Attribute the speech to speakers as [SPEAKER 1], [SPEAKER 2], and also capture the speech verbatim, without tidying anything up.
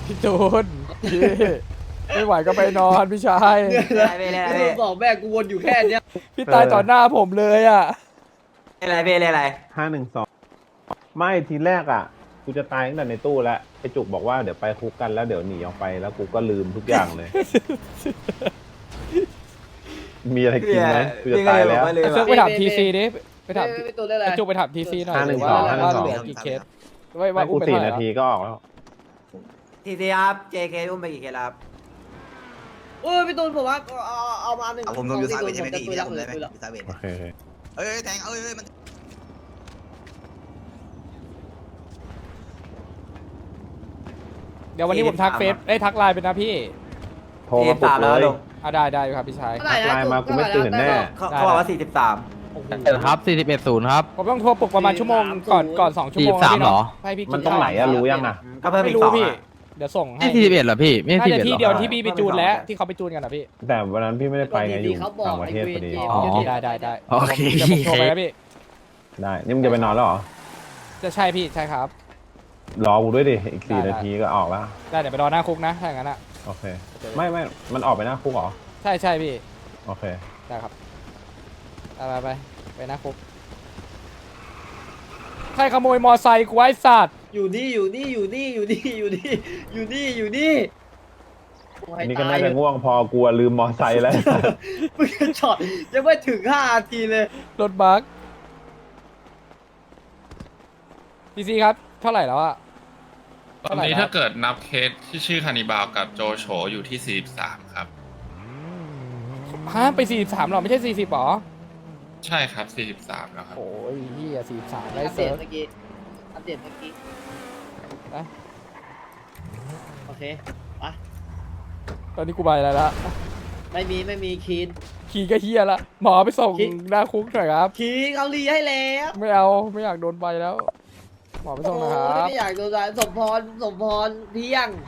[SPEAKER 1] พี่จูนพี่ไม่ไหวก็ไปนอนพี่ชาย
[SPEAKER 2] ไม่เป็นไร
[SPEAKER 3] กูบอกแม่กูวนอยู่แค่เนี้ย
[SPEAKER 1] พี่ตายต่อหน้าผมเลยอ่ะ
[SPEAKER 2] ไม่เป็นไรไม่เป็นไร
[SPEAKER 4] ห้าหนึ่งสองไม่ทีแรกอ่ะกูจะตายตั้งแต่ในตู้แล้วไอจุกบอกว่าเดี๋ยวไปคุกกันแล้วเดี๋ยวหนีออกไปแล้วกูก็ลืมทุกอย่างเลย มีอะไรกินไหมกูจะตายแล้ว
[SPEAKER 2] ไม่เลย
[SPEAKER 1] เซิร์ฟไปถามทีซีดิไปถาม
[SPEAKER 3] ไม่ตัวได้อะไร
[SPEAKER 1] ไอ้จุกไปถามทีซีหน่อย
[SPEAKER 4] ห้าหนึ่ง
[SPEAKER 1] ว่า
[SPEAKER 4] สองห้าหนึ่
[SPEAKER 1] ว่าง
[SPEAKER 4] สอง
[SPEAKER 1] เหลือกี่เคสว่า
[SPEAKER 4] ไม่
[SPEAKER 1] ว่า
[SPEAKER 4] กู
[SPEAKER 1] อุ้มไป
[SPEAKER 4] สี่
[SPEAKER 1] เท่าไหร่
[SPEAKER 4] นาทีก็ออกแล้ว
[SPEAKER 2] ทีซีครับ เจ เค อุ้มไปกี่เคสครับ
[SPEAKER 3] โอ้ยพี่ตูนผมว่าเอาเอามาหนึ่ง
[SPEAKER 5] เอาผมลงยูซาเวทใช่ไหม
[SPEAKER 3] จะ
[SPEAKER 5] พี่
[SPEAKER 3] ตุย
[SPEAKER 5] พี่
[SPEAKER 3] แล้
[SPEAKER 5] เอา
[SPEAKER 3] ว
[SPEAKER 5] ผมได้ไหม
[SPEAKER 3] ตุยแล้ว
[SPEAKER 5] ยูซาเวท
[SPEAKER 4] โอเคโอเค
[SPEAKER 5] เอ้ยแทงเอ้ยมัน
[SPEAKER 1] เดี๋ยววันนี้ผมทักเฟซได้ยทักไลน์ไปนะพี่
[SPEAKER 4] โทรมาปลุกเลย
[SPEAKER 1] อ่ะได้ได้ครับพี่ชาย
[SPEAKER 3] เท่าไหร่นะ
[SPEAKER 4] ไลน์มากูไม่ตื่นแน่
[SPEAKER 2] เขาเขาบอกว่าสี่สิบสาม
[SPEAKER 6] ครับสี่สิบเอ็ดศูนย์ครับ
[SPEAKER 1] ผมต้องโทรปลุกประมาณชั่วโมงก่อนก่อนสองชั่วโมง
[SPEAKER 6] สี่สิบสาม
[SPEAKER 1] พี่
[SPEAKER 6] เหร
[SPEAKER 1] เนาะ
[SPEAKER 6] อ
[SPEAKER 1] ให้พี่กิ
[SPEAKER 4] มันตรงไหนอะรู้ยังอะ
[SPEAKER 2] ก็เพิ่ม
[SPEAKER 1] ไม่
[SPEAKER 2] อีก
[SPEAKER 1] รู้
[SPEAKER 2] สอง
[SPEAKER 1] พี่
[SPEAKER 2] อะ
[SPEAKER 1] เดี๋ยวส่งให้
[SPEAKER 6] ไม่สี่สิบเอ็ดเหรอพี่ไม่
[SPEAKER 1] น่า
[SPEAKER 6] สี่
[SPEAKER 1] จะ
[SPEAKER 6] สิบเอ็ด
[SPEAKER 1] ที่
[SPEAKER 6] หร
[SPEAKER 1] เดียว
[SPEAKER 6] อ
[SPEAKER 1] ที่พี่ไปจูนแล้วที่เขาไปจูนกันนะพี่
[SPEAKER 4] แต่วันนั้นพี่ไม่ได้ไปไงอยู่ต่างประเทศพอดี
[SPEAKER 1] อ๋อได้ได้ได้
[SPEAKER 6] โอเค
[SPEAKER 1] เดี๋ยวผมโทรไปนะพี่
[SPEAKER 4] ได้นี่มึงจะไปนอนแล้วเหรอ
[SPEAKER 1] จะใช่พี่ใช่ครับ
[SPEAKER 4] รอกูด้วยดิอีกสี่
[SPEAKER 1] ได้
[SPEAKER 4] นาทีก็ออกแล้ว
[SPEAKER 1] ได้เดี๋ยวไปรอหน้าคุกนะถ้าอย่างนั้นอ่ะ
[SPEAKER 4] โอเค ไม่ไม่มันออกไปหน้าคุกเหรอ
[SPEAKER 1] ใช่ใช่พี่
[SPEAKER 4] โอเค
[SPEAKER 1] ได้ครับไปไปไปไปหน้าคุกใครขโมยมอไซค์กูไอ้สัตว์
[SPEAKER 3] อยู่นี่อยู่นี่อยู่นี่อยู่นี่อยู่นี่อยู่นี่อยู่นี่โอ้ย
[SPEAKER 4] นี่ก็
[SPEAKER 3] ตา
[SPEAKER 4] น่าย จะง่วงพอกลัวลืมมอไซค์แล้ว
[SPEAKER 3] มึงจะช็อตยังไม่ถึงห้านาทีเลย
[SPEAKER 1] รถบัสพีซีครับเท่าไหร่แล้วอะ
[SPEAKER 7] ตอนนี้ถ้าเกิดนับเคสที่ชื่อคานิบาลกับโจโฉอยู่ที่สี่สิบสามครับ
[SPEAKER 1] ฮะไปสี่สิบสามหรอไม่ใช่สี่สิบหรอ
[SPEAKER 7] ใช่ครับสี่สิบสามแล้วครับ
[SPEAKER 1] โอ้ยเฮียสี่สิบสามได้
[SPEAKER 3] อัปเด
[SPEAKER 1] เซิ
[SPEAKER 3] ต
[SPEAKER 1] ร์ฟ
[SPEAKER 3] เมื่อกี้อัปเดตเมื่อกี้
[SPEAKER 1] ไป
[SPEAKER 3] โอเคไป
[SPEAKER 1] ตอนนี้กูไปแล้วละ
[SPEAKER 3] ไม่มีไม่มีคีน
[SPEAKER 1] ขี่ก็เฮียละหมอไปส่ง
[SPEAKER 3] ขี่
[SPEAKER 1] หน้าคุกหน่อยครับ
[SPEAKER 3] คีนเขารีให้แล้ว
[SPEAKER 1] ไม่เอาไม่อยากโดนใบแล้ว หมอไปส่งนะค
[SPEAKER 3] โอ้
[SPEAKER 1] รับ
[SPEAKER 3] ไม่อยากโดนสายสมพรสมพรเที่ยง